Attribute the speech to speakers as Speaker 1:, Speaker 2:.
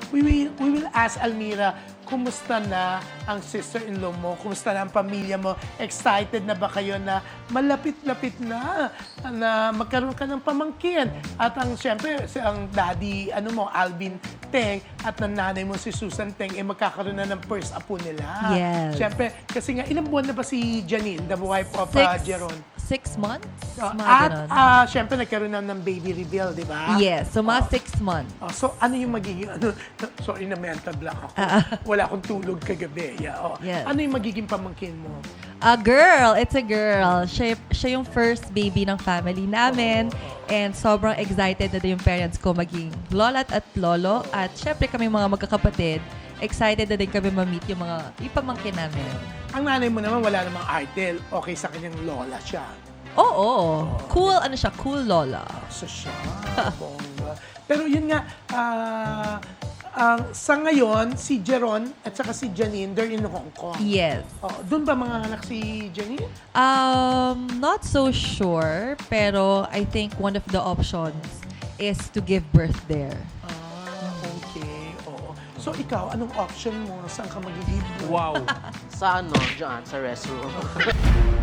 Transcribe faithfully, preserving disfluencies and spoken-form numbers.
Speaker 1: we will, we will ask Almira, kumusta na ang sister-in-law mo? Kumusta na ang pamilya mo? Excited na ba kayo na malapit-lapit na na magkaroon ka ng pamangkin? At ang siyempre, si ang daddy, ano mo, Alvin Teng, at ng nanay mo si Susan Teng, eh magkakaroon na ng first apo nila.
Speaker 2: Yes.
Speaker 1: Siyempre, kasi nga, ilang buwan na ba si Janine, the wife of uh,
Speaker 2: Six,
Speaker 1: Jeron?
Speaker 2: six months?
Speaker 1: Uh,
Speaker 2: Mga
Speaker 1: at
Speaker 2: ganon.
Speaker 1: uh, siyempre, nagkaroon na ng baby reveal, di ba?
Speaker 2: Yes, so mga six months.
Speaker 1: Oh, so, ano yung magiging, ano, sorry na mental block ako. Wala akong tulog kagabi. Yeah, oh.
Speaker 2: Yes.
Speaker 1: Ano yung magiging pamangkin mo?
Speaker 2: A girl, it's a girl. Siya, siya yung first baby ng family namin. And sobrang excited na din yung parents ko maging lola at lolo. At syempre kami mga magkakapatid, excited na din kami ma-meet yung mga ipamangkin namin.
Speaker 1: Ang nanay mo naman, wala namang idol. Okay sa kanyang lola siya.
Speaker 2: Oo, cool, ano siya, cool lola.
Speaker 1: So siya, bongga. Pero yun nga, ah, ang sa ngayon, si Jeron at saka si Janine, they're in Hong Kong.
Speaker 2: Yes.
Speaker 1: Oh, doon ba mga anak si Janine?
Speaker 2: Um, not so sure, pero I think one of the options is to give birth there.
Speaker 1: Ah, okay. Oo. So ikaw, anong option mo? Saan ka magiging?
Speaker 3: Wow. Sa ano, dyan, sa restroom.